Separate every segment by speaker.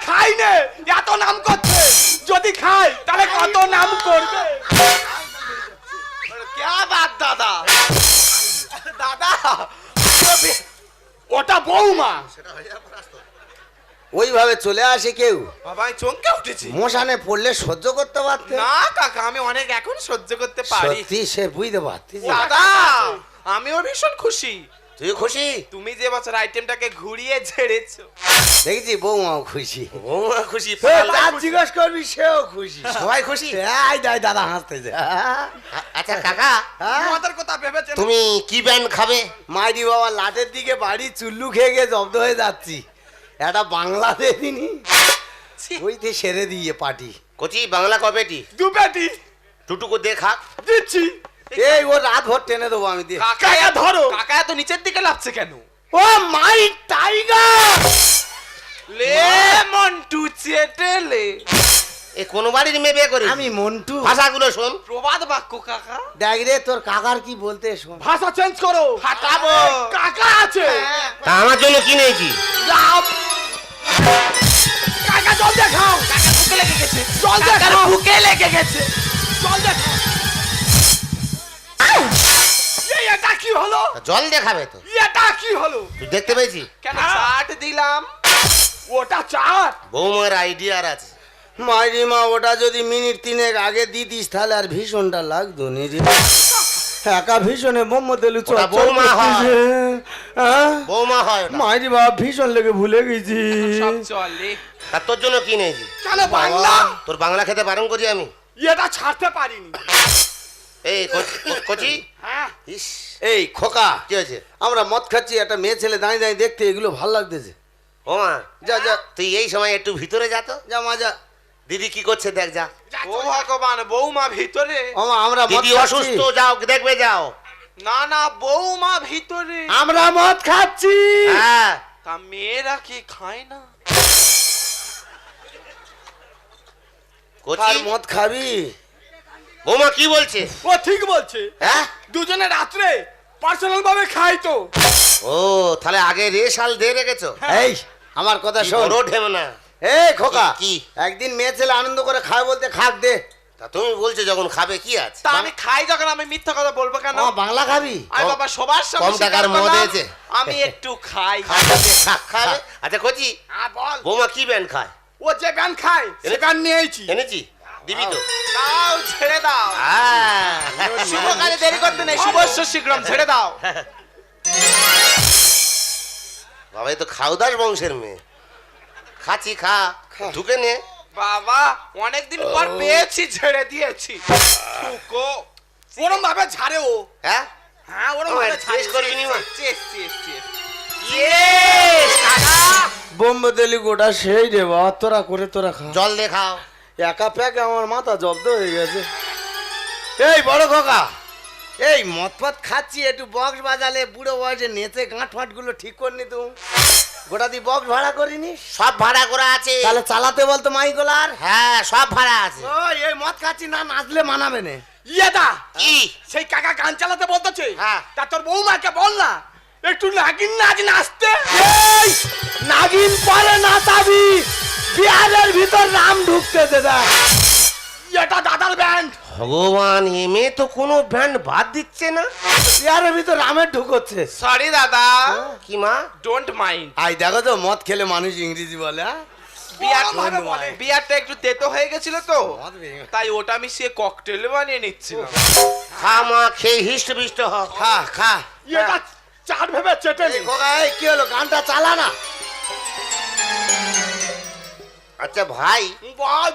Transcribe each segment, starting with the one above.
Speaker 1: খাই নে, এত নাম করছে। যদি খাই তাহলে কত নাম করবে।
Speaker 2: क्या बात दादा दादा
Speaker 1: ওটা বৌমা।
Speaker 3: ওইভাবে চলে আসে কেউ?
Speaker 2: বাবা আমি চমকে উঠেছি।
Speaker 3: মশানে পড়লে সহ্য করতে পারতে
Speaker 2: না কাকা আমি অনেক এখন সহ্য করতে পারি।
Speaker 3: সত্যি সে বুঝতে পারতি।
Speaker 2: দাদা আমিও ভীষণ খুশি।
Speaker 3: তুই খুশি?
Speaker 2: তুমি যে বছর আইটেমটাকে ঘুরিয়ে ঝেড়েছো।
Speaker 3: দেখছি বৌমাও খুশি।
Speaker 2: বৌমা খুশি
Speaker 3: তার জিজ্ঞেস করবি সেও খুশি।
Speaker 2: সবাই খুশি।
Speaker 3: এই দাদা হাসতেছে।
Speaker 4: আচ্ছা কাকা,
Speaker 1: তোমাদের কথা ভেবেছেন?
Speaker 4: তুমি কি ব্যান্ড খাবে?
Speaker 3: মাইরি বাবা লাটের দিকে বাড়ি চুল্লু খেয়ে গিয়ে জব্দ হয়ে যাচ্ছি। একটা বাংলা দেখিনি ওইতে সেরে দিয়ে পাটি।
Speaker 4: কচি বাংলা কবেটি?
Speaker 1: দু পেটি
Speaker 4: টুটুকু দেখা।
Speaker 1: দিচ্ছি।
Speaker 3: এই ও রাত ভর টেনে দেবো আমি দিয়ে।
Speaker 1: কাকা ধরো।
Speaker 2: কাকা এত নিচের দিকে লাফছে কেন?
Speaker 3: Oh my tiger!
Speaker 2: লে মন্টু চেটেলে।
Speaker 4: এ কোন বাড়ির মেয়ে বিয়ে করে?
Speaker 3: আমি মন্টু।
Speaker 4: ভাষাগুলো শোন।
Speaker 2: প্রবাদ বাক্য কাকা।
Speaker 3: দেখ রে তোর কাকার কি বলতে শোন।
Speaker 1: ভাষা চেঞ্জ করো।
Speaker 2: ফাটাবো।
Speaker 1: কাকা আছে।
Speaker 4: তা আমার জন্য কি নিয়েছি?
Speaker 1: কাকা জল দেখাও।
Speaker 2: কাকা বুকে লেগে গেছে।
Speaker 1: জল
Speaker 2: কাকার
Speaker 1: দেখাও।
Speaker 2: বুকে লেগে গেছে।
Speaker 1: জল দেখাও। এটা কি হলো?
Speaker 4: জল দেখাবে তো?
Speaker 1: এটা কি হলো?
Speaker 4: তুই দেখতে পেয়েছি?
Speaker 2: কেন চাট দিলাম?
Speaker 1: ওটা চাট।
Speaker 4: বৌমার আইডিয়ার আছে।
Speaker 3: মাইরি মা ওটা যদি মিনিট 3 আগে দিতিস তাহলে আর ভীষণটা লাগতো নি রে। একা ভীষণে মোহাম্মদ আলী
Speaker 4: ওটা বৌমা হয়। বৌমা হয় ওটা।
Speaker 3: মাইরি বাবা ভীষণ লেগে ভুলে গেছি।
Speaker 2: সব চলে।
Speaker 4: তা তোর জন্য কি নিয়েছি?
Speaker 1: কেন বাংলা?
Speaker 4: তোর বাংলা খেতে বারণ করি আমি।
Speaker 1: এটা ছাড়তে পারিনি।
Speaker 4: এই কচি।
Speaker 1: হ্যাঁ।
Speaker 4: ইস
Speaker 3: এই খোকা,
Speaker 4: কি হয়েছে?
Speaker 3: আমরা মদ খাচ্ছি, একটা মেয়ে ছেলে দাঁড়িয়ে দাঁড়িয়ে দেখতে এগুলো ভাল লাগতেছে।
Speaker 4: ও মা
Speaker 3: যা যা
Speaker 4: তুই এই সময় একটু ভিতরে যা তো।
Speaker 3: যা মা যা।
Speaker 4: দিদি কি করছে দেখ যা।
Speaker 2: ও ভগবান বৌমা ভিতরে।
Speaker 3: ওমা আমরা মদ
Speaker 4: দিদি
Speaker 3: খাচ্ছি।
Speaker 4: অসুস্থ, যাও দেখবে যাও।
Speaker 2: না না বৌমা ভিতরে।
Speaker 3: আমরা মদ খাচ্ছি।
Speaker 4: হ্যাঁ
Speaker 2: তা মেয়েরা কি খায় না?
Speaker 4: কচি
Speaker 3: আর মদ খাবি?
Speaker 4: বৌমা কি বলছে?
Speaker 1: ও ঠিক বলছে।
Speaker 4: হ্যাঁ
Speaker 1: দুজনে রাত্রে পার্সোনাল ভাবে খাই তো।
Speaker 4: ও তাহলে আগে রেশাল দিয়ে রেখেছো?
Speaker 3: এই আমার কথা
Speaker 4: কি
Speaker 3: শোন।
Speaker 4: বড় ঢেম না।
Speaker 3: এই খোকা,
Speaker 4: কি?
Speaker 3: একদিন মেয়ে ছেলে আনন্দ করে খায় বলতে খাক দে।
Speaker 4: তা তুমি বলছো যখন খাবে কি আছে?
Speaker 2: তা আমি খাই যখন আমি মিথ্যা কথা বলবো কেন?
Speaker 3: ও বাংলা খাবি?
Speaker 2: আমি বাবা সবার সামনে
Speaker 4: কম টাকার
Speaker 2: স্বীকার
Speaker 4: মদ
Speaker 2: করলাম,
Speaker 4: হয়েছে।
Speaker 2: আমি একটু খাই।
Speaker 4: খাবে? আচ্ছা কচি
Speaker 1: হ্যাঁ বল।
Speaker 4: বৌমা কি ব্যান্ড খায়?
Speaker 1: ও যে ব্যান খায় সে ব্যান নিয়েছি।
Speaker 4: এনেছি দিবি তো?
Speaker 2: দাও ছেড়ে দাও। শুভ কাজে দেরি করতে নেই, শুভস্য শীঘ্রম ছেড়ে দাও।
Speaker 4: বাবা এই তো খাউদাস বংশের মেয়ে। খাচ্ছি খা ঢুকে নে।
Speaker 2: বাবা অনেকদিন পর পেয়েছি ছেড়ে দিয়েছি। ঠুকো।
Speaker 1: ওরম ভাবে ছাড়ে ও।
Speaker 4: হ্যাঁ
Speaker 1: হ্যাঁ ওরম
Speaker 4: ও,
Speaker 1: ভাবে
Speaker 4: চেস
Speaker 1: ছাড়ে।
Speaker 4: করবি নি মা?
Speaker 2: Chess chess chess.
Speaker 4: ইয়েস, কাকা।
Speaker 3: বোম্বে দিলি গোটা সেই রে বাবা, তোরা করে তোরা খা।
Speaker 4: জল দে খাও।
Speaker 3: একা প্যাকে আমার মাথা জব্দ হয়ে গেছে। এই বড় খোকা, এই মদ ফদ খাচ্ছি, একটু বক্স বাজালে বুড়ো বয়সে নেচে গাঁট ফাঁট গুলো ঠিক করনি তুই? গোটা দি বক্স ভাড়া করিনি?
Speaker 4: সব ভাড়া করা আছে।
Speaker 3: তাহলে চালাতে বলতো মাইকোলার।
Speaker 4: হ্যাঁ সব ভাড়া আছে।
Speaker 3: ও এই মদ খাচ্ছি না, নাচলে মানাবে না।
Speaker 1: ইয়েদা
Speaker 4: কি?
Speaker 1: সেই কাকা গান চালাতে বলতেছে।
Speaker 4: হ্যাঁ।
Speaker 1: তা তোর বৌমাকে বল না একটু নাগিন নাচ নাচতে।
Speaker 3: এই নাগিন পরে নাচাবি, বিহারের ভিতর নাম ঢুকতেছে দেখ।
Speaker 1: এটা দাদার ব্যান্ড।
Speaker 4: ভগবান এমে তো কোনো ব্যান্ড বাদ দিচ্ছে না।
Speaker 3: বিহারের ভিতর রামের ঢুকছে।
Speaker 2: সরি দাদা,
Speaker 4: কি মা?
Speaker 2: Don't mind.
Speaker 3: আই দেখো তো মদ খেলে মানুষ ইংরেজি বলে। হ্যাঁ?
Speaker 2: বিয়ারটা একটু তেতো হয়ে গেছিল তো,
Speaker 3: মদ ভেঙে-
Speaker 2: তাই ওটা মিশিয়ে ককটেল বানিয়ে নিচ্ছিলাম।
Speaker 4: খা মা খেয়ে হিষ্ট বিষ্ট হ।
Speaker 3: খা খা।
Speaker 1: এটা চাট ভেবে চেটে নি।
Speaker 3: এই খোকা, এই কি হলো? গানটা চালা না।
Speaker 4: আচ্ছা ভাই
Speaker 1: বল।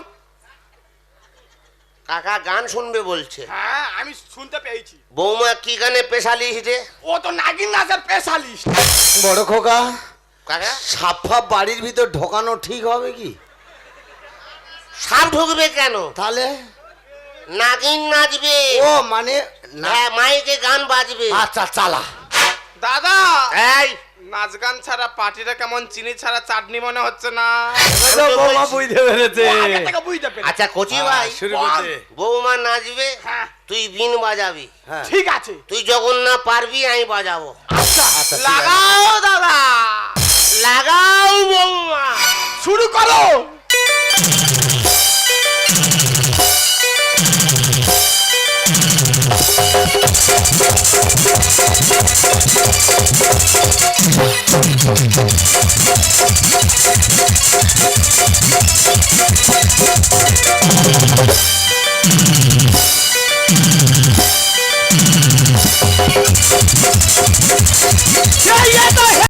Speaker 4: কাকা গান শুনবে বলছে।
Speaker 1: হ্যাঁ আমি শুনতে পেয়েছি।
Speaker 4: বৌমা কি গানে স্পেশালিস্ট রে?
Speaker 1: ও তো নাগিন নাচের স্পেশালিস্ট।
Speaker 3: বড় খোকা,
Speaker 4: কাকা
Speaker 3: সাপ ফাপ বাড়ির ভিতর ঢোকানো ঠিক হবে কি?
Speaker 4: সাপ ঢুকবে কেন?
Speaker 3: তাহলে
Speaker 4: নাগিন নাচবে।
Speaker 3: ও মানে
Speaker 4: হ্যাঁ মাইকে গান বাজবে।
Speaker 3: আচ্ছা চালা।
Speaker 2: দাদা
Speaker 4: এই
Speaker 2: নাচ গান ছাড়া পার্টিটা কেমন চিনি ছাড়া চাটনি মনে হচ্ছে না?
Speaker 3: বৌমা বুঝতে পেরেছে।
Speaker 1: ও আগে থেকে বুঝতে পেরেছি।
Speaker 4: আচ্ছা কচি ভাই
Speaker 3: শুরু করতে।
Speaker 4: বৌমা নাচবে,
Speaker 1: হ্যাঁ
Speaker 4: তুই বিন বাজাবি।
Speaker 3: হ্যাঁ।
Speaker 1: ঠিক আছে।
Speaker 4: তুই যখন না পারবি আমি বাজাবো।
Speaker 1: আচ্ছা
Speaker 3: আচ্ছা, ঠিক আছে।
Speaker 4: লাগাও দাদা, লাগাও বৌমা।
Speaker 1: শুরু করো।